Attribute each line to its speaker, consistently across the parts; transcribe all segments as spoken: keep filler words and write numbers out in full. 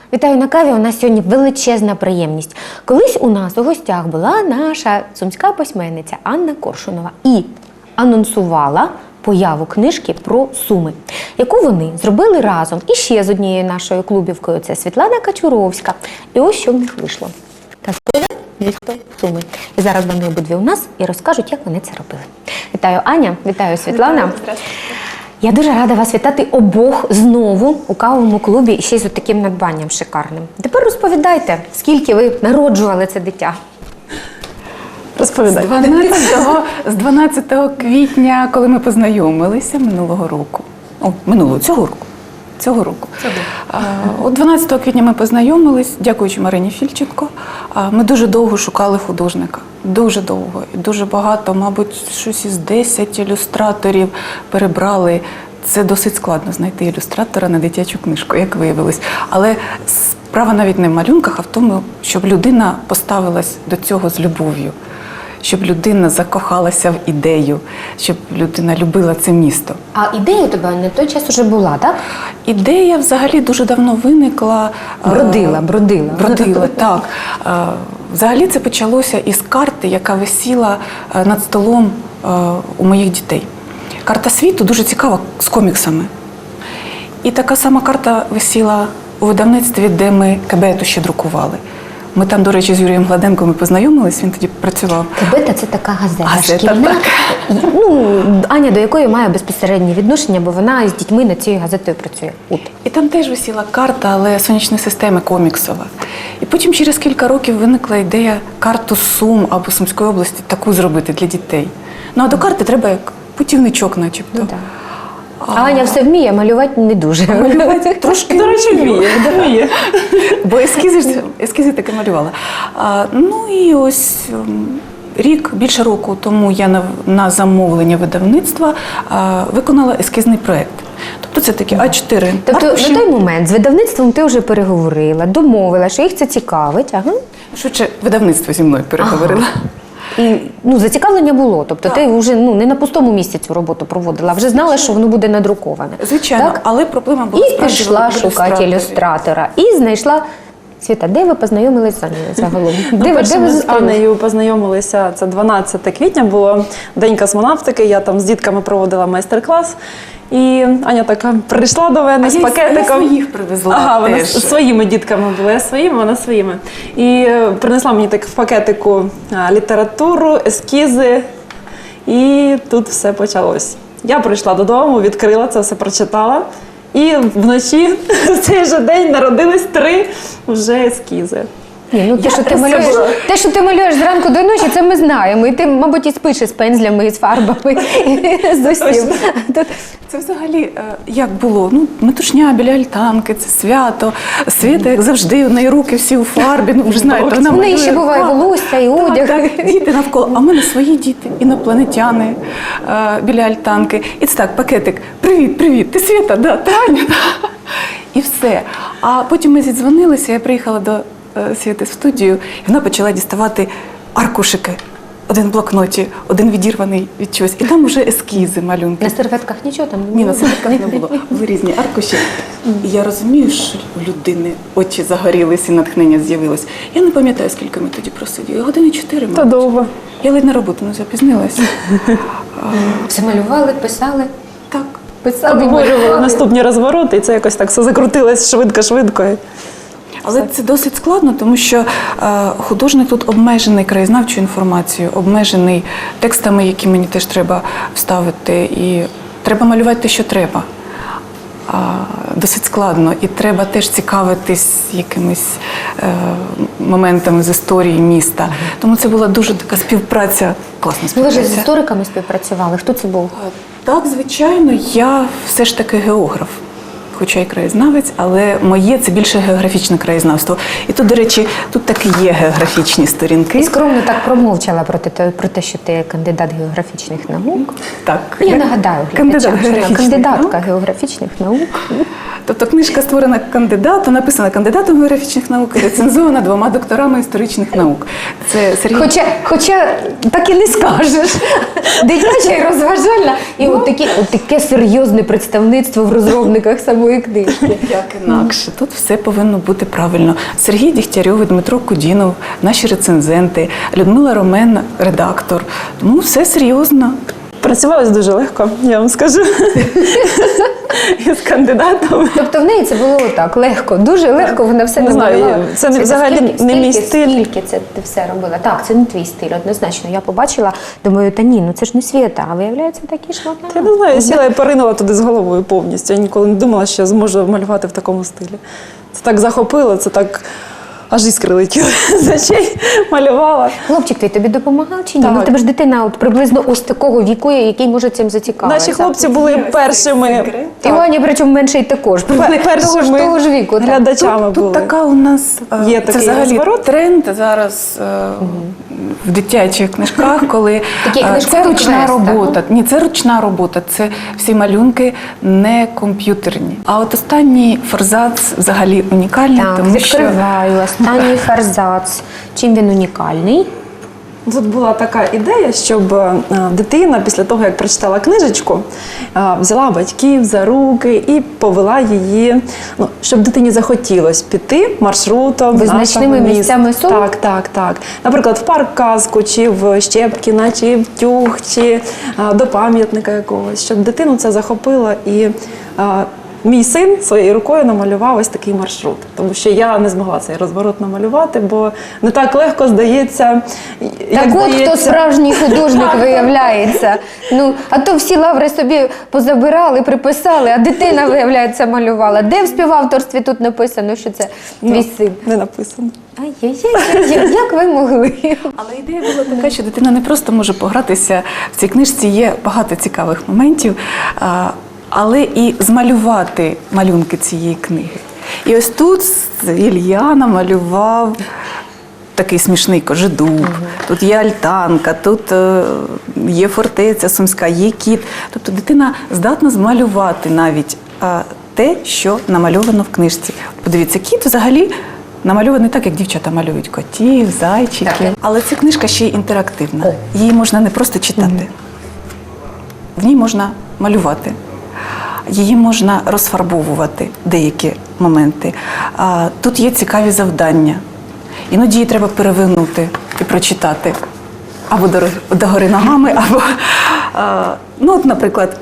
Speaker 1: Вітаю на каві. У нас сьогодні величезна приємність. Колись у нас у гостях була наша сумська письменниця Анна Коршунова і анонсувала появу книжки про Суми, яку вони зробили разом іще з однією нашою клубівкою. Це Світлана Качуровська. І ось що в них вийшло. Казкове місто Суми. І зараз вони обидві у нас і розкажуть, як вони це робили. Вітаю, Аня. Вітаю, Світлана.
Speaker 2: Вітаю,
Speaker 1: Я дуже рада вас вітати обох знову у кавовому клубі і ще й з таким надбанням шикарним. Тепер розповідайте, скільки ви народжували це дитя?
Speaker 2: Розповідай. З дванадцятого квітня, коли ми познайомилися минулого року, о, минулого, цього року, цього року. А, от дванадцятого квітня ми познайомились, дякуючи Марині Фільченко. А, ми дуже довго шукали художника, дуже довго. І дуже багато, мабуть, щось із десять ілюстраторів перебрали. Це досить складно знайти ілюстратора на дитячу книжку, як виявилось. Але справа навіть не в малюнках, а в тому, щоб людина поставилась до цього з любов'ю. Щоб людина закохалася в ідею, щоб людина любила це місто.
Speaker 1: А ідея у тебе на той час уже була, так?
Speaker 2: Ідея взагалі дуже давно виникла.
Speaker 1: Бродила, бродила.
Speaker 2: Бродила, так. Взагалі це почалося із карти, яка висіла над столом у моїх дітей. Карта світу дуже цікава, з коміксами. І така сама карта висіла у видавництві, де ми Кебету ще друкували. Ми там, до речі, з Юрієм Гладенком ми познайомились, він тоді працював.
Speaker 1: Кебета – це така газета,
Speaker 2: газета
Speaker 1: шкільна.
Speaker 2: Так.
Speaker 1: Ну, Аня до якої має безпосереднє відношення, бо вона з дітьми над цією газетою працює. От.
Speaker 2: І там теж висіла карта, але сонячної системи коміксова. І потім через кілька років виникла ідея карту Сум або Сумської області таку зробити для дітей. Ну, а до карти треба як путівничок начебто.
Speaker 1: Ну, так. А Аня все вміє, малювати не дуже.
Speaker 2: Малювати трошки, до речі, вміє. вміє. Бо ескізи, ж- ескізи таки малювала. А, ну і ось м, рік, більше року тому я на, на замовлення видавництва а, виконала ескізний проєкт. Тобто це такі а чотири
Speaker 1: Тобто
Speaker 2: аркуші.
Speaker 1: на той момент з видавництвом ти вже переговорила, домовила, що їх це цікавить. Ага.
Speaker 2: Швидше, видавництво зі мною переговорила.
Speaker 1: І ну, зацікавлення було. Тобто
Speaker 2: Так.
Speaker 1: ти вже ну, не на пустому місці цю роботу проводила, а вже знала, що воно буде надруковане.
Speaker 2: Звичайно,
Speaker 1: Так?
Speaker 2: але проблема була
Speaker 1: І
Speaker 2: справді
Speaker 1: пішла
Speaker 2: в
Speaker 1: шукати
Speaker 2: ілюстраторі.
Speaker 1: ілюстратора. І знайшла... Світа, де ви познайомилися з Анею загалом? Де, ви-
Speaker 3: Перше,
Speaker 1: де ви
Speaker 3: ми з
Speaker 1: зустрілися?
Speaker 3: Аннею познайомилися, це дванадцяте квітня було, День космонавтики, я там з дітками проводила майстер-клас. І Аня така прийшла до мене
Speaker 2: А
Speaker 3: з
Speaker 2: я-
Speaker 3: пакетиком.
Speaker 2: я своїх привезла
Speaker 3: Ага, вона
Speaker 2: теж.
Speaker 3: з своїми дітками була, я своїми, вона своїми. І е, принесла мені так в пакетику а, літературу, ескізи, і тут все почалось. Я прийшла додому, відкрила це, все прочитала. І вночі в цей же день народились три вже ескізи.
Speaker 1: Ні, ну те,
Speaker 3: Я
Speaker 1: що ти
Speaker 3: це
Speaker 1: малюєш,
Speaker 3: була.
Speaker 1: те, що ти малюєш зранку до ночі, це ми знаємо. І ти, мабуть, і спиш із пензлями, і з фарбами, і з усім. Тут
Speaker 2: Це взагалі е, як було? Ну, метушня біля альтанки, це свято. Свята, як завжди, у неї руки всі у фарбі. Ну, ви ж знаєте, вона
Speaker 1: в неї
Speaker 2: малює
Speaker 1: ще буває
Speaker 2: фарб.
Speaker 1: волосся і
Speaker 2: Так,
Speaker 1: одяг.
Speaker 2: так, діти навколо. А в мене свої діти, інопланетяни е, біля альтанки. І це так, пакетик. Привіт, привіт, ти Свята, да, ти Аня. Да. І все. А потім ми зідзвонилися, я приїхала до е, Світи в студію, і вона почала діставати аркушики. Один в блокноті, один відірваний від чогось. І там вже ескізи, малюнки.
Speaker 1: на серветках нічого там не
Speaker 2: Ні,
Speaker 1: було?
Speaker 2: на серветках не було. Були різні аркуші. І я розумію, що у людини очі загорілись і натхнення з'явилось. Я не пам'ятаю, скільки ми тоді просиділи. Години чотири,
Speaker 3: Та
Speaker 2: мабуть.
Speaker 3: довго.
Speaker 2: Я ледь на роботу не запізнилася.
Speaker 1: Все малювали, писали.
Speaker 2: Так.
Speaker 1: Писали,
Speaker 3: Обговорювали
Speaker 1: малювали.
Speaker 3: наступні розвороти, і це якось так все закрутилось швидко-швидко.
Speaker 2: Але це досить складно, тому що е, художник тут обмежений краєзнавчою інформацією, обмежений текстами, які мені теж треба вставити. І треба малювати те, що треба. А, досить складно. І треба теж цікавитись якимись е, моментами з історії міста. Тому це була дуже така співпраця, класна
Speaker 1: Ну, ви ж з
Speaker 2: співпраця.
Speaker 1: істориками співпрацювали. Хто це був?
Speaker 2: Так, звичайно, я все ж таки географ. Хоча й краєзнавець, але моє це більше географічне краєзнавство. І тут, до речі, тут таки є географічні сторінки.
Speaker 1: Ти скромно так промовчала про те, про те, що ти кандидат географічних наук.
Speaker 2: Так,
Speaker 1: Я нагадаю
Speaker 2: кандидат
Speaker 1: глядачам, що вона
Speaker 2: географічних
Speaker 1: кандидатка
Speaker 2: наук.
Speaker 1: географічних наук.
Speaker 2: Тобто книжка створена кандидатом, написана кандидатом географічних наук, і рецензована двома докторами історичних наук. Це Сергій.
Speaker 1: Хоча, хоча так і не скажеш. Дитяча і розважальна. І от, такі, от таке серйозне представництво в розробниках самої книжки.
Speaker 2: Як інакше. Тут все повинно бути правильно. Сергій Дігтярьов, Дмитро Кудінов, наші рецензенти, Людмила Ромен, редактор. Тому все серйозно.
Speaker 3: Працювалось дуже легко, я вам скажу. Із кандидатом.
Speaker 1: Тобто в неї це було так, легко, дуже легко вона все
Speaker 3: Не знаю,
Speaker 1: намалювала.
Speaker 3: це не
Speaker 1: Скільки-
Speaker 3: взагалі не мій
Speaker 1: скільки-
Speaker 3: стиль.
Speaker 1: Скільки це ти все робила? Так, це не твій стиль, однозначно. Я побачила, думаю, та ні, ну це ж не Свєта, а виявляється такі ж вона.
Speaker 3: Я не знаю, я сіла і поринула туди з головою повністю. Я ніколи не думала, що я зможу малювати в такому стилі. Це так захопило, це так аж іскри летіли з очей, малювала.
Speaker 1: Хлопчик твій тобі допомагав чи ні?
Speaker 3: Так.
Speaker 1: Ну в тебе ж дитина от приблизно ось такого віку, який може цим зацікавитися.
Speaker 3: Наші хлопці були першими.
Speaker 1: І Ваня, причому менший також.
Speaker 3: першими
Speaker 1: того, ж, того ж віку. так.
Speaker 3: глядачами
Speaker 2: Тут,
Speaker 3: були.
Speaker 2: тут така у нас е,
Speaker 3: Є
Speaker 2: це
Speaker 3: такий
Speaker 2: взагалі
Speaker 3: розворот.
Speaker 2: тренд зараз е, в дитячих книжках, коли
Speaker 1: Такі
Speaker 2: е,
Speaker 1: книжкові
Speaker 2: це ручна
Speaker 1: квести,
Speaker 2: робота. Ні, це ручна робота, це всі малюнки не комп'ютерні. А от останній форзац взагалі унікальний,
Speaker 1: Так,
Speaker 2: тому що
Speaker 1: відкриваю останній форзац. Чим він унікальний?
Speaker 3: Тут була така ідея, щоб е, дитина після того, як прочитала книжечку, е, взяла батьків за руки і повела її, ну, щоб дитині захотілося піти маршрутом
Speaker 1: Визначними
Speaker 3: нашого міста.
Speaker 1: місцями Сум?
Speaker 3: Так, так, так. Наприклад, в парк казку, чи в Щепкіна, чи в Тюг, чи е, до пам'ятника якогось, щоб дитину це захопило. І е, мій син своєю рукою намалював ось такий маршрут, тому що я не змогла цей розворот намалювати, бо не так легко здається.
Speaker 1: Так
Speaker 3: як
Speaker 1: от хто
Speaker 3: здається.
Speaker 1: справжній художник виявляється. Ну, а то всі лаври собі позабирали, приписали, а дитина, виявляється, малювала. Де в співавторстві тут написано, що це твій
Speaker 3: Ну,
Speaker 1: син?
Speaker 3: не написано.
Speaker 1: Ай-яй-яй, як ви могли?
Speaker 2: Але ідея була така, що дитина не просто може погратися. В цій книжці є багато цікавих моментів, а, але і змалювати малюнки цієї книги. І ось тут Ілля намалював такий смішний кожедуб, тут є альтанка, тут е, є фортеця Сумська, є кіт. Тобто дитина здатна змалювати навіть е, те, що намальовано в книжці. Подивіться, кіт взагалі намальований так, як дівчата малюють котів, зайчиків.
Speaker 1: Так.
Speaker 2: Але ця книжка ще й інтерактивна. Її можна не просто читати. В ній можна малювати. Її можна розфарбовувати деякі моменти. А, тут є цікаві завдання. Іноді її треба перевернути і прочитати. Або до, догори ногами, або, а, ну от, наприклад,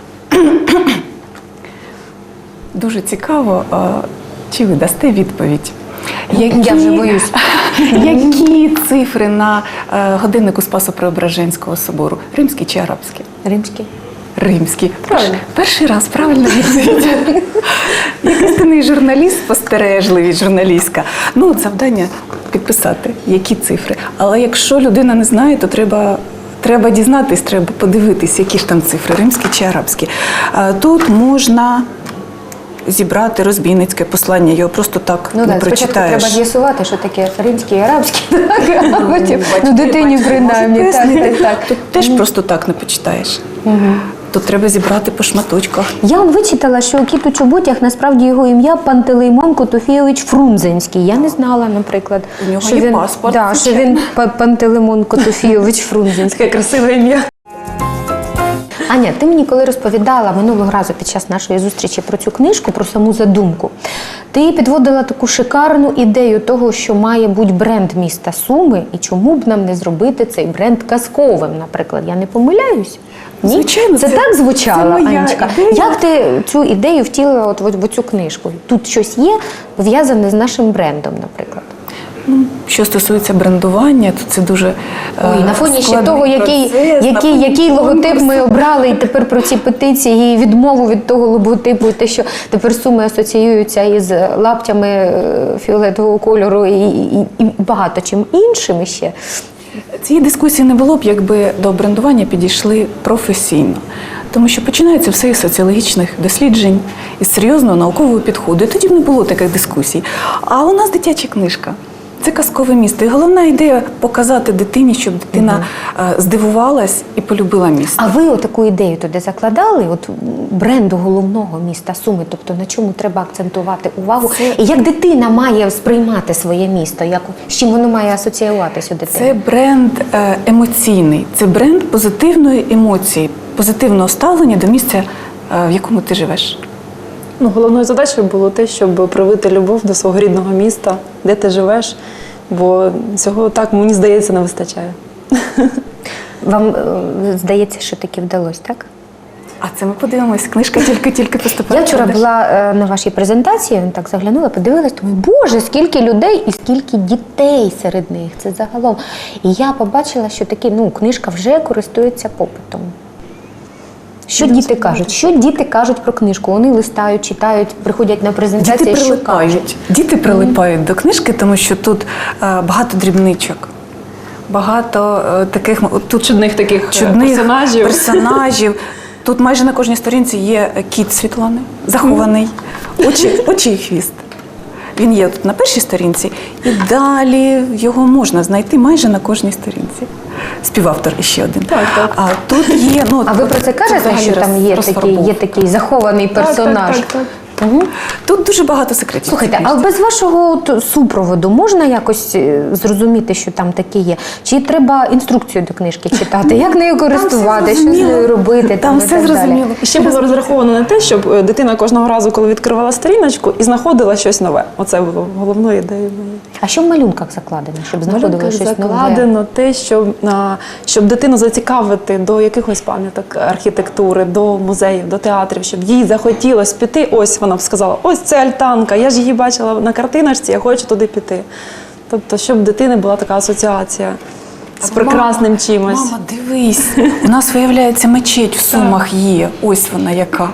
Speaker 2: дуже цікаво, а, чи ви дасте відповідь. Які,
Speaker 1: Я вже боюсь.
Speaker 2: Які цифри на е, годиннику Спасо-Преображенського собору? Римські чи арабські?
Speaker 1: Римський.
Speaker 2: Римські.
Speaker 1: Правильно.
Speaker 2: Перший раз правильно відповідь. Як істинний журналіст, спостережливість журналістка. Ну, от завдання підписати, які цифри. Але якщо людина не знає, то треба, треба дізнатись, треба подивитись, які ж там цифри, римські чи арабські. А тут можна зібрати розбійницьке послання, його просто так
Speaker 1: Ну
Speaker 2: не
Speaker 1: так, спочатку
Speaker 2: прочитаєш.
Speaker 1: треба з'ясувати, що таке римський і арабський, так, а потім,
Speaker 2: Батьки-
Speaker 1: ну дитині
Speaker 2: батьки
Speaker 1: принаймні,
Speaker 2: можуть
Speaker 1: так,
Speaker 2: пояснити.
Speaker 1: так, так.
Speaker 2: Тут теж просто так не почитаєш. Тут треба зібрати по шматочках.
Speaker 1: Я вичитала, що кіт у чоботях насправді його ім'я Пантелеймон Котофійович Фрунзенський. Я не знала, наприклад,
Speaker 2: У нього
Speaker 1: що
Speaker 2: є
Speaker 1: він,
Speaker 2: паспорт,
Speaker 1: да, що
Speaker 2: звичайно.
Speaker 1: він Па- Пантелеймон Котофійович Фрунзенський.
Speaker 3: Таке красиве ім'я.
Speaker 1: Аня, ти мені коли розповідала минулого разу під час нашої зустрічі про цю книжку, про саму задумку, ти підводила таку шикарну ідею того, що має бути бренд міста Суми, і чому б нам не зробити цей бренд казковим, наприклад. Я не помиляюсь? Ні?
Speaker 2: Звичайно,
Speaker 1: це,
Speaker 2: це-
Speaker 1: так звучало,
Speaker 2: це моя
Speaker 1: Анечка.
Speaker 2: ідея.
Speaker 1: Як ти цю ідею втілила от в, в цю книжку? Тут щось є пов'язане з нашим брендом, наприклад?
Speaker 2: Ну, що стосується брендування, то це дуже
Speaker 1: Ой,
Speaker 2: е,
Speaker 1: на фоні ще
Speaker 2: складний
Speaker 1: того, який,
Speaker 2: процес, на
Speaker 1: який,
Speaker 2: фоні
Speaker 1: який логотип
Speaker 2: конкурсу.
Speaker 1: ми обрали, і тепер про ці петиції, і відмову від того логотипу, і те, що тепер Суми асоціюються із лаптями е, фіолетового кольору і, і, і багато чим іншим ще.
Speaker 2: Цієї дискусії не було б, якби до брендування підійшли професійно. Тому що починається все із соціологічних досліджень, із серйозного наукового підходу. І тоді б не було таких дискусій. А у нас дитяча книжка. Це казкове місто. І головна ідея показати дитині, щоб дитина е, здивувалась і полюбила місто.
Speaker 1: А ви таку ідею туди закладали, от бренду головного міста Суми, тобто на чому треба акцентувати увагу? І як дитина має сприймати своє місто, як, з чим воно має асоціюватися у дитини?
Speaker 2: Це бренд е, емоційний, це бренд позитивної емоції, позитивного ставлення до місця, е, в якому ти живеш.
Speaker 3: Ну, головною задачею було те, щоб привити любов до свого рідного міста, де ти живеш, бо цього, так, мені здається, не вистачає.
Speaker 1: Вам е, здається, що таки вдалося, так?
Speaker 2: А це ми подивимось, книжка тільки-тільки поступає.
Speaker 1: Я вчора
Speaker 2: в продаж.
Speaker 1: була е, на вашій презентації, так заглянула, подивилась, думаю, боже, скільки людей і скільки дітей серед них, це загалом. І я побачила, що такі, ну, книжка вже користується попитом. Що діти кажуть? Що діти кажуть про книжку? Вони листають, читають, приходять на презентації,
Speaker 2: Діти
Speaker 1: що кажуть?
Speaker 2: прилипають. Діти прилипають до книжки, тому що тут е, багато дрібничок, багато е, таких м- тут
Speaker 3: Чудних таких
Speaker 2: чудних
Speaker 3: персонажів.
Speaker 2: персонажів. Тут майже на кожній сторінці є кіт Світлани, захований, очі, очі і хвіст. Він є тут на першій сторінці, і далі його можна знайти майже на кожній сторінці. Співавтор іще один.
Speaker 3: Так, так.
Speaker 2: А тут є, ну,
Speaker 1: А ви про це кажете,
Speaker 2: взагалі
Speaker 1: що там є
Speaker 2: роз-
Speaker 1: такий, є такий захований персонаж?
Speaker 3: Так, так, так,
Speaker 1: Угу.
Speaker 2: Тут дуже багато секретів.
Speaker 1: Слухайте, а без вашого от супроводу можна якось е, зрозуміти, що там таке є? Чи треба інструкцію до книжки читати? Як нею користувати, що з
Speaker 2: зрозуміло.
Speaker 1: нею робити?
Speaker 2: Там
Speaker 1: і
Speaker 2: все
Speaker 1: так далі?
Speaker 2: зрозуміло.
Speaker 3: І ще було розраховано на те, щоб е, дитина кожного разу, коли відкривала сторіночку, і знаходила щось нове. Оце було головною ідеєю моєю.
Speaker 1: А що в малюнках закладено, щоб знаходили
Speaker 3: Малюнках
Speaker 1: щось нове?
Speaker 3: закладено те, щоб, а, щоб дитину зацікавити до якихось пам'яток архітектури, до музеїв, до театрів, щоб їй захотілося піти. Ось вона б сказала, ось це альтанка, я ж її бачила на картиночці, я хочу туди піти. Тобто, щоб в дитини була така асоціація з прекрасним
Speaker 2: Мама,
Speaker 3: чимось.
Speaker 2: Мама, дивись, у нас, виявляється, мечеть в Сумах є. Ось вона яка.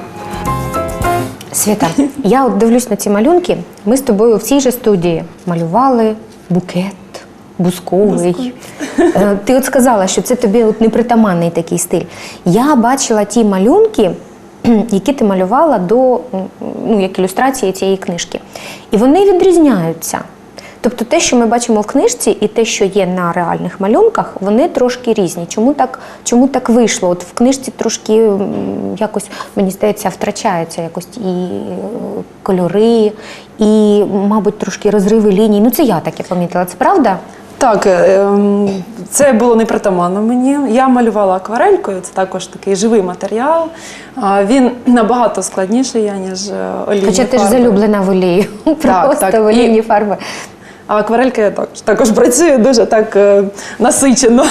Speaker 1: Свята, я от дивлюсь на ці малюнки. Ми з тобою в цій же студії малювали букет бузковий. Е, Ти от сказала, що це тобі от непритаманний такий стиль. Я бачила ті малюнки, які ти малювала до, ну, як ілюстрації цієї книжки. І вони відрізняються. Тобто те, що ми бачимо в книжці, і те, що є на реальних малюнках, вони трошки різні. Чому так, чому так вийшло? От в книжці трошки м, якось, мені здається, втрачаються якось і е, кольори, і, мабуть, трошки розриви ліній. Ну, це я таке помітила. Це правда?
Speaker 3: Так, ем, це було непритаманно мені. Я малювала акварелькою, це також такий живий матеріал. А, Він набагато складніший, ніж е, олійні
Speaker 1: Хоча ти ж
Speaker 3: фарби.
Speaker 1: залюблена в олії. Просто
Speaker 3: так.
Speaker 1: в олійні
Speaker 3: І-
Speaker 1: фарби.
Speaker 3: А акварелька також, також працює дуже так е, насичено.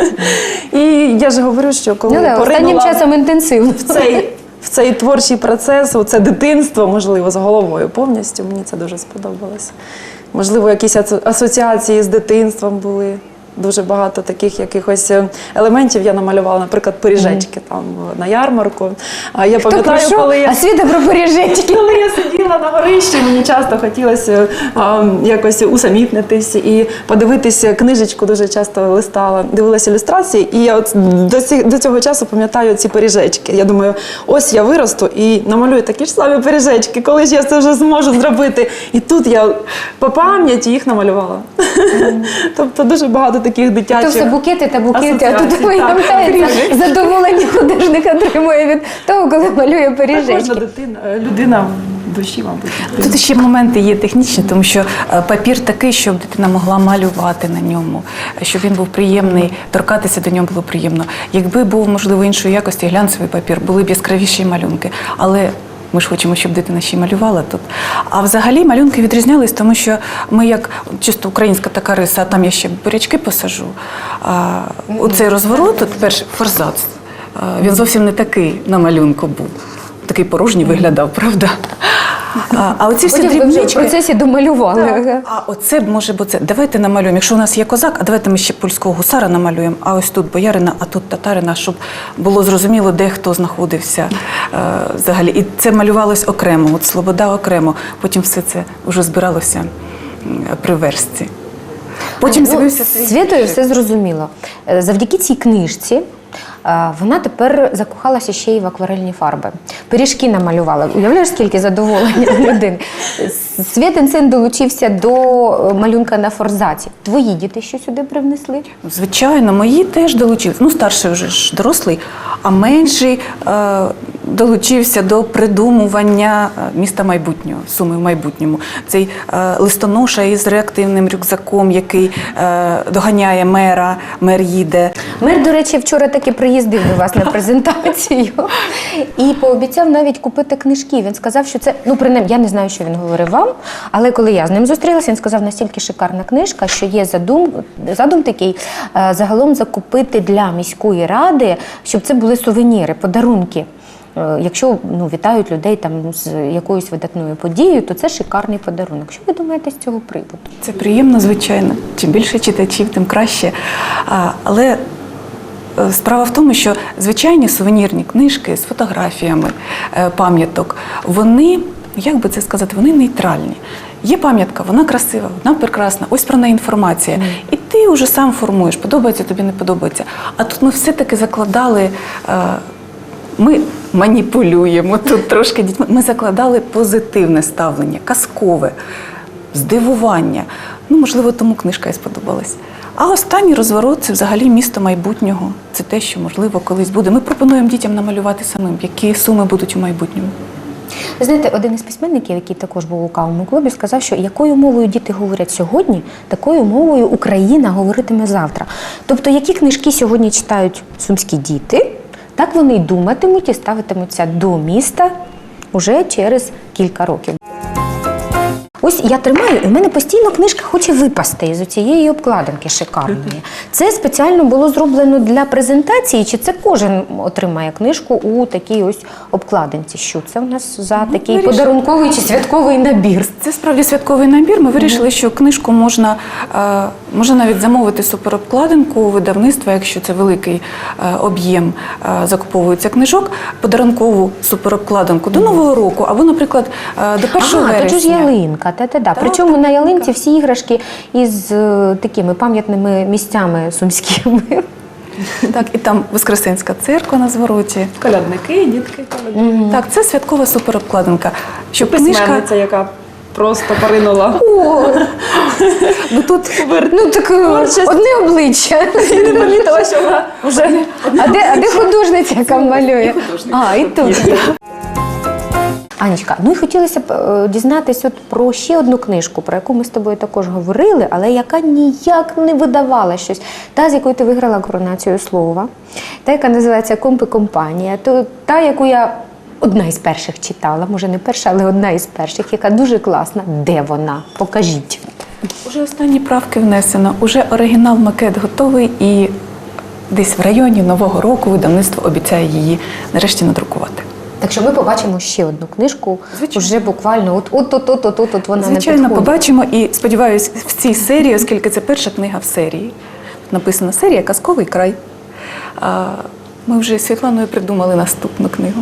Speaker 3: І я ж говорю, що коли
Speaker 1: Ну, да, останнім
Speaker 3: поринула
Speaker 1: часом інтенсивно.
Speaker 3: в цей, в цей творчий процес, це дитинство, можливо, з головою повністю, мені це дуже сподобалось. Можливо, якісь асо- асоціації з дитинством були. Дуже багато таких якихось елементів я намалювала, наприклад, пиріжечки там на ярмарку. А я
Speaker 1: Хто
Speaker 3: пам'ятаю,
Speaker 1: про що?
Speaker 3: коли я
Speaker 1: А Світа про пиріжечки.
Speaker 3: коли я сиділа на горищі, мені часто хотілося а, якось усамітнитись і подивитися книжечку, дуже часто листала, дивилася ілюстрації, і я от до, ці, до цього часу пам'ятаю ці пиріжечки. Я думаю, ось я виросту і намалюю такі ж самі пиріжечки, коли ж я це вже зможу зробити. І тут я по пам'яті їх намалювала. Тобто дуже багато таких
Speaker 1: То
Speaker 3: дитячих
Speaker 1: все букети та букети, а тут
Speaker 3: асоціацій,
Speaker 1: виявляється,
Speaker 3: так.
Speaker 1: задоволення художник отримує від того, коли малює
Speaker 3: Кожна
Speaker 1: пиріжечки.
Speaker 3: дитина, людина в душі, мабуть.
Speaker 2: Тут ще моменти є технічні, тому що е, папір такий, щоб дитина могла малювати на ньому, щоб він був приємний, торкатися до нього було приємно. Якби був, можливо, іншої якості глянцевий папір, були б яскравіші малюнки. Але ми ж хочемо, щоб дитина ще й малювала тут. А взагалі малюнки відрізнялись, тому що ми, як чисто українська така риса, а там я ще бурячки посажу. А, оцей розворот, от перший форзац, а, він зовсім не такий на малюнку був. Такий порожній виглядав, правда? А, а оці всі
Speaker 1: Потім ви вже в
Speaker 2: дрібнички...
Speaker 1: процесі домалювали. Ага.
Speaker 2: А оце б може бути. Давайте намалюємо. Якщо у нас є козак, а давайте ми ще польського гусара намалюємо, а ось тут боярина, а тут татарина, щоб було зрозуміло, де хто знаходився е, взагалі. І це малювалось окремо, от Слобода окремо. Потім все це вже збиралося м, при верстці. Потім
Speaker 1: Ну,
Speaker 2: з'явився
Speaker 1: з Світою все зрозуміло. Е, Завдяки цій книжці е, вона тепер закохалася ще й в акварельні фарби. Пиріжки намалювала. Уявляєш, скільки задоволення у людини. Святин син долучився до малюнка на форзаці. Твої діти що сюди привнесли?
Speaker 2: Звичайно, мої теж долучилися. Ну, старший вже ж дорослий, а менший е, долучився до придумування міста майбутнього, Суми в майбутньому. Цей е, листоноша із реактивним рюкзаком, який е, доганяє мера, мер їде.
Speaker 1: Мер, до речі, вчора таки приїздив до вас на презентацію і пообіцяв навіть купити книжки. Він сказав, що це, ну, принаймні, я не знаю, що він говорив вам, але коли я з ним зустрілася, він сказав, настільки шикарна книжка, що є задум, задум такий, е, загалом закупити для міської ради, щоб це були сувеніри, подарунки. Е, Якщо, ну, вітають людей там з якоюсь видатною подією, то це шикарний подарунок. Що ви думаєте з цього приводу?
Speaker 2: Це приємно, звичайно. Чим більше читачів, тим краще. А, але е, справа в тому, що звичайні сувенірні книжки з фотографіями е, пам'яток, вони, як би це сказати, вони нейтральні. Є пам'ятка, вона красива, вона прекрасна, ось про неї інформація. І ти вже сам формуєш, подобається тобі, не подобається. А тут ми все-таки закладали, е, ми маніпулюємо тут трошки дітьми, ми закладали позитивне ставлення, казкове, здивування. Ну, можливо, тому книжка і сподобалась. А останній розворот – це взагалі місто майбутнього. Це те, що, можливо, колись буде. Ми пропонуємо дітям намалювати самим, які суми будуть у майбутньому.
Speaker 1: Ви знаєте, один із письменників, який також був у кавовому клубі, сказав, що якою мовою діти говорять сьогодні, такою мовою Україна говоритиме завтра. Тобто, які книжки сьогодні читають сумські діти, так вони й думатимуть і ставитимуться до міста уже через кілька років. Ось я тримаю, і в мене постійно книжка хоче випасти із цієї обкладинки шикарної. Це спеціально було зроблено для презентації, чи це кожен отримає книжку у такій ось обкладинці? Що це у нас за такий
Speaker 2: вирішили.
Speaker 1: подарунковий чи святковий набір?
Speaker 2: Це справді святковий набір. Ми вирішили, що книжку можна, е, можна навіть замовити суперобкладинку у видавництва, якщо це великий е, об'єм е, закуповується книжок, подарункову суперобкладинку до Нового року, або, наприклад, е, до першого
Speaker 1: Ага,
Speaker 2: вересня.
Speaker 1: тут же ж ялинка, та-та-та. Причому на ялинці всі іграшки із е, такими пам'ятними місцями сумськими.
Speaker 2: Так, і там Воскресенська церква на звороті.
Speaker 3: Колядники, дітки, колядники.
Speaker 2: Так, це святкова суперобкладинка. Щоб книжка...
Speaker 3: Письменниця, яка просто поринула.
Speaker 1: О, ну тут ну, так, одне обличчя.
Speaker 3: І не помітила, що вона вже...
Speaker 1: А де, а де художниця, яка малює? А, і тут. Анечка, ну і хотілося б е, дізнатися от про ще одну книжку, про яку ми з тобою також говорили, але яка ніяк не видавала щось. Та, з якою ти виграла коронацію слова, та, яка називається «Комп і компанія», то, та, яку я одна із перших читала, може не перша, але одна із перших, яка дуже класна. Де вона? Покажіть.
Speaker 2: Уже останні правки внесено, уже оригінал макет готовий і десь в районі Нового року видавництво обіцяє її нарешті надрукувати.
Speaker 1: Так що ми побачимо ще одну книжку,
Speaker 2: Звичайно.
Speaker 1: вже буквально от от от от от от, от вона
Speaker 2: Звичайно,
Speaker 1: не підходить.
Speaker 2: побачимо і сподіваюся, в цій серії, оскільки це перша книга в серії. Написана серія «Казковий край». А ми вже з Світланою придумали наступну книгу.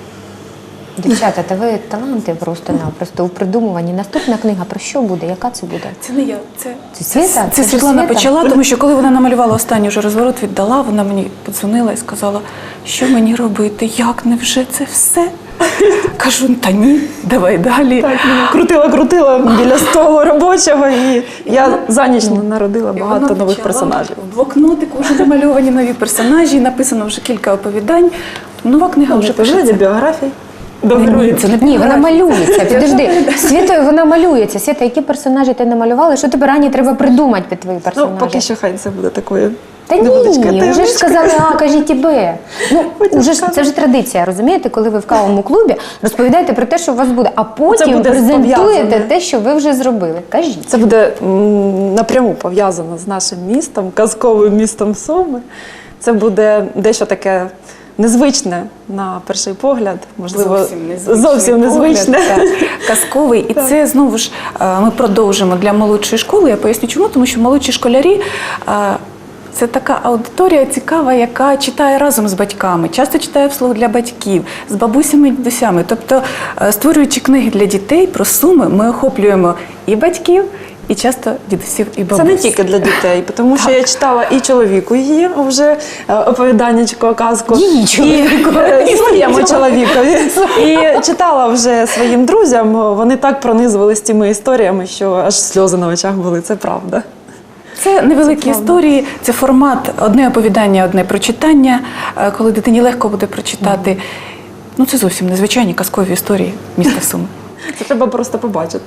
Speaker 1: Дівчата, та ви таланти просто-напросто у придумуванні. Наступна книга про що буде? Яка це буде?
Speaker 2: Це не я, це,
Speaker 1: Це Світа?
Speaker 2: Це,
Speaker 1: Це ж
Speaker 2: Світлана
Speaker 1: Світа?
Speaker 2: почала, тому що коли вона намалювала останній вже розворот, віддала, вона мені подзвонила і сказала, що мені робити, як, невже це все? Кажу, та ні, давай далі.
Speaker 3: Так, крутила-крутила біля столу робочого, і я за ніч народила
Speaker 2: І
Speaker 3: багато
Speaker 2: вона
Speaker 3: нових
Speaker 2: почала,
Speaker 3: персонажів.
Speaker 2: В блокнотику вже намальовані нові персонажі, написано вже кілька оповідань. Нова книга вже
Speaker 3: Вже
Speaker 2: пишеться.
Speaker 3: біографій. До
Speaker 2: Ні,
Speaker 3: героїв.
Speaker 2: це не
Speaker 1: Ні, вона
Speaker 2: біографія.
Speaker 1: малюється. Підожди. Світою вона малюється. Світа, які персонажі ти намалювала? Що тепер Ані треба придумати під твої
Speaker 3: Ну,
Speaker 1: персонажі?
Speaker 3: поки що хай це буде такою.
Speaker 1: Та ні,
Speaker 3: невеличкою
Speaker 1: вже ж
Speaker 3: таємничкою.
Speaker 1: сказали, а, кажіть тебе. Ну,
Speaker 3: Потім
Speaker 1: уже ж,
Speaker 3: скажу.
Speaker 1: це вже традиція, розумієте, коли ви в кавовому клубі розповідаєте про те, що у вас буде, а потім
Speaker 3: буде
Speaker 1: презентуєте
Speaker 3: пов'язане.
Speaker 1: те, що ви вже зробили. Кажіть.
Speaker 3: Це буде м, напряму пов'язано з нашим містом, казковим містом Суми. Це буде дещо таке незвичне на перший погляд, можливо,
Speaker 2: Зовсім незвичний
Speaker 3: зовсім незвичне.
Speaker 2: погляд, так, казковий. І це знову ж е, ми продовжимо для молодшої школи. Я поясню чому, тому що молодші школярі е, це така аудиторія цікава, яка читає разом з батьками, часто читає вслух для батьків, з бабусями і дідусями. Тобто, е, створюючи книги для дітей про Суми, ми охоплюємо і батьків, і часто дідусів і бабусь.
Speaker 3: Це не тільки для дітей, тому що я читала і чоловіку її вже е, оповіданнячко, казку.
Speaker 1: Її чоловіку.
Speaker 3: І, е, і своєму чоловікові. І читала вже своїм друзям, вони так пронизували з цими історіями, що аж сльози на очах були, це правда.
Speaker 2: Це невеликі історії, це формат одне оповідання, одне прочитання, е, коли дитині легко буде прочитати. Ну, це зовсім незвичайні казкові історії міста Суми.
Speaker 3: Це треба просто побачити.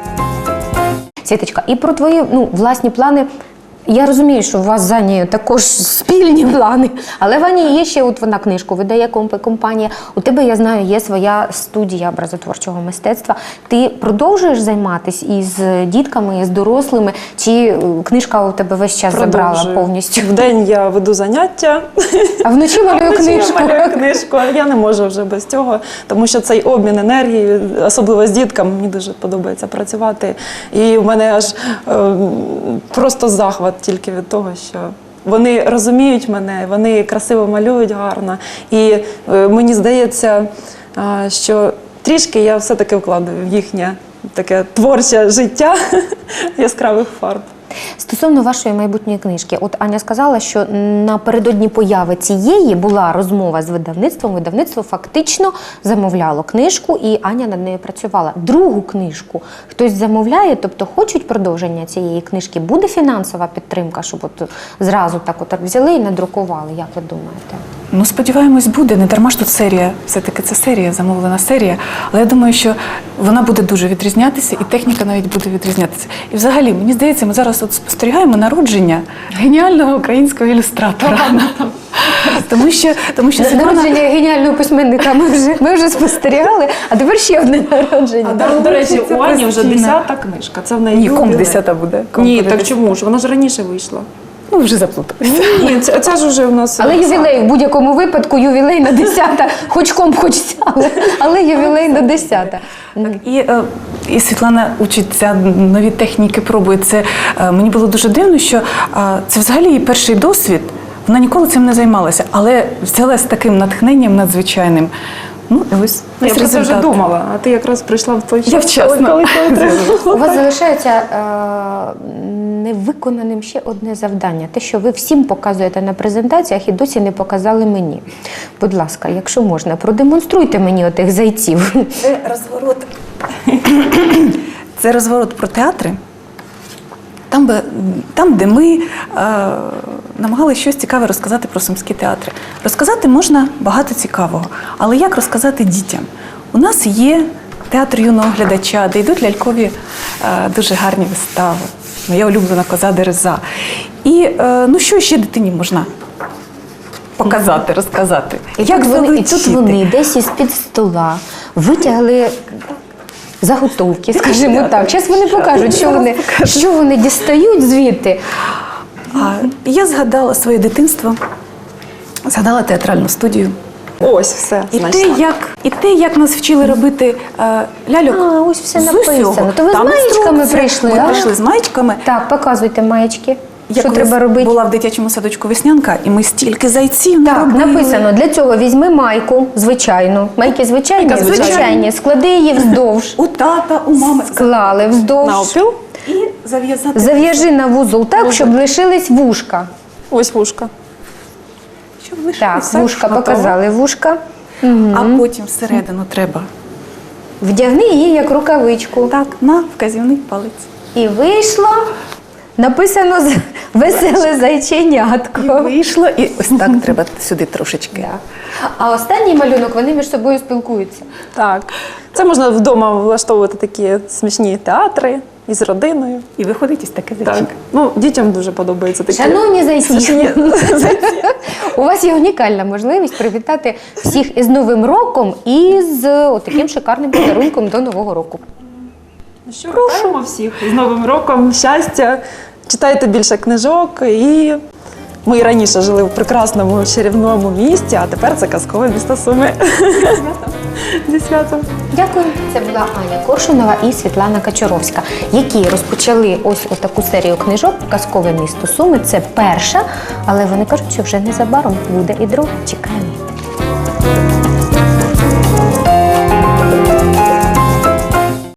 Speaker 1: Світочка, і про твої ну, власні плани. Я розумію, що у вас з Анією також спільні плани, але в Ані є ще, от вона книжку видає комп- компанія. У тебе, я знаю, є своя студія образотворчого мистецтва. Ти продовжуєш займатися із дітками, із дорослими, чи е, книжка у тебе весь час забрала
Speaker 3: Продовжую.
Speaker 1: повністю?
Speaker 3: Вдень я веду заняття,
Speaker 1: А вночі малюю
Speaker 3: вночі я
Speaker 1: книжку.
Speaker 3: малюю книжку. Я не можу вже без цього, тому що цей обмін енергії, особливо з дітками, мені дуже подобається працювати. І в мене аж е, просто захват тільки від того, що вони розуміють мене, вони красиво малюють гарно. І е, мені здається, е, що трішки я все-таки вкладаю в їхнє таке творче життя яскравих фарб.
Speaker 1: Стосовно вашої майбутньої книжки, от Аня сказала, що напередодні появи цієї була розмова з видавництвом. Видавництво фактично замовляло книжку, і Аня над нею працювала. Другу книжку хтось замовляє, тобто хочуть продовження цієї книжки. Буде фінансова підтримка, щоб от зразу так от взяли і надрукували, як ви думаєте?
Speaker 2: Ну, сподіваємось, буде. Не дарма ж тут серія. Все-таки це серія, замовлена серія. Але я думаю, що вона буде дуже відрізнятися, і техніка навіть буде відрізнятися. І взагалі, мені здається, ми зараз от спостерігаємо народження геніального українського ілюстратора. Тому що, тому що Світлана...
Speaker 1: Народження геніального письменника ми вже, ми вже спостерігали, а тепер ще одне народження.
Speaker 3: А, до, до речі,
Speaker 2: це
Speaker 3: у Ані вже
Speaker 2: постійно.
Speaker 3: десята книжка. Це в неї
Speaker 2: Ні, ком
Speaker 3: ювілей.
Speaker 2: десята буде. Ком
Speaker 3: Ні,
Speaker 2: буде
Speaker 3: так
Speaker 2: десята.
Speaker 3: чому ж? Вона ж раніше вийшла.
Speaker 2: Ну, вже заплуталися.
Speaker 3: Ні, це, це ж вже у нас.
Speaker 1: Але ювілей, в будь-якому випадку ювілей на десята, хоч комп, хоч сяли, але ювілей на десята.
Speaker 2: І, е, і Світлана учиться, нові техніки пробує. Це, е, мені було дуже дивно, що е, це взагалі її перший досвід. Вона ніколи цим не займалася, але взяла з таким натхненням надзвичайним. Ну, і ось
Speaker 3: Я
Speaker 2: ось
Speaker 3: про це вже
Speaker 2: результат.
Speaker 3: думала, а ти якраз прийшла в той час.
Speaker 2: Я вчасно.
Speaker 3: коли- коли треба.
Speaker 1: У вас залишається е, невиконаним ще одне завдання. Те, що ви всім показуєте на презентаціях і досі не показали мені. Будь ласка, якщо можна, продемонструйте мені отих зайців.
Speaker 2: Це розворот. Це розворот про театри. Там, би, там де ми е, намагалися щось цікаве розказати про сумські театри. Розказати можна багато цікавого, але як розказати дітям? У нас є театр юного глядача, де йдуть лялькові е, дуже гарні вистави. Моя улюблена коза Дереза. І е, ну що ще дитині можна показати, розказати?
Speaker 1: І
Speaker 2: Як
Speaker 1: тут вони, і
Speaker 2: залетіти?
Speaker 1: тут вони десь із-під стола витягли заготовки, скажімо так. Зараз вони покажуть, що вони, що вони дістають звідти.
Speaker 2: А, я згадала своє дитинство, згадала театральну студію.
Speaker 3: Ось все.
Speaker 2: І
Speaker 3: знайшла.
Speaker 2: те, як, і те, як нас вчили робити е, ляльок.
Speaker 1: А, ось все
Speaker 2: з
Speaker 1: написано.
Speaker 2: усього.
Speaker 1: То ви з
Speaker 2: Там
Speaker 1: маєчками
Speaker 2: інструкція.
Speaker 1: прийшли,
Speaker 2: Ми
Speaker 1: а?
Speaker 2: прийшли з маєчками.
Speaker 1: Так, показуйте маєчки.
Speaker 2: Я
Speaker 1: Що
Speaker 2: колись
Speaker 1: треба робити?
Speaker 2: була в дитячому садочку «Веснянка», і ми стільки зайців
Speaker 1: Так,
Speaker 2: наробили.
Speaker 1: написано, для цього візьми майку, звичайну. Майки звичайні,
Speaker 3: Майка звичайна.
Speaker 1: звичайні. Склади її вздовж.
Speaker 2: У тата, у мами.
Speaker 1: Склали вздовж.
Speaker 3: Навпіл.
Speaker 2: І зав'язати.
Speaker 1: Зав'яжи на вузол так, щоб лишились вушка.
Speaker 3: Ось вушка.
Speaker 2: Щоб
Speaker 1: Так,
Speaker 2: лишилося.
Speaker 1: вушка
Speaker 3: готово.
Speaker 1: показали, вушка.
Speaker 2: А потім всередину треба.
Speaker 1: Вдягни її як рукавичку.
Speaker 2: Так, на вказівний палець.
Speaker 1: І вийшло, написано з- веселе зайченятко.
Speaker 2: І вийшло, і ось так треба сюди трошечки.
Speaker 1: А останній малюнок, вони між собою спілкуються.
Speaker 3: Так. Це можна вдома влаштовувати такі смішні театри із родиною.
Speaker 2: І виходить ось таке
Speaker 3: Так.
Speaker 2: зайчик.
Speaker 3: Ну, дітям дуже подобається такі.
Speaker 1: Шановні зайці,
Speaker 3: смішні
Speaker 1: у вас є унікальна можливість привітати всіх із Новим роком і з отаким шикарним подарунком до Нового року.
Speaker 3: Ну що, вітаємо всіх з Новим роком, щастя, читайте більше книжок. І ми і раніше жили в прекрасному чарівному місті, а тепер це казкове місто Суми. Зі святом.
Speaker 1: Дякую. Це була Аня Коршунова і Світлана Качуровська, які розпочали ось таку серію книжок «Казкове місто Суми». Це перша, але вони кажуть, що вже незабаром буде і друга. Чекаємо.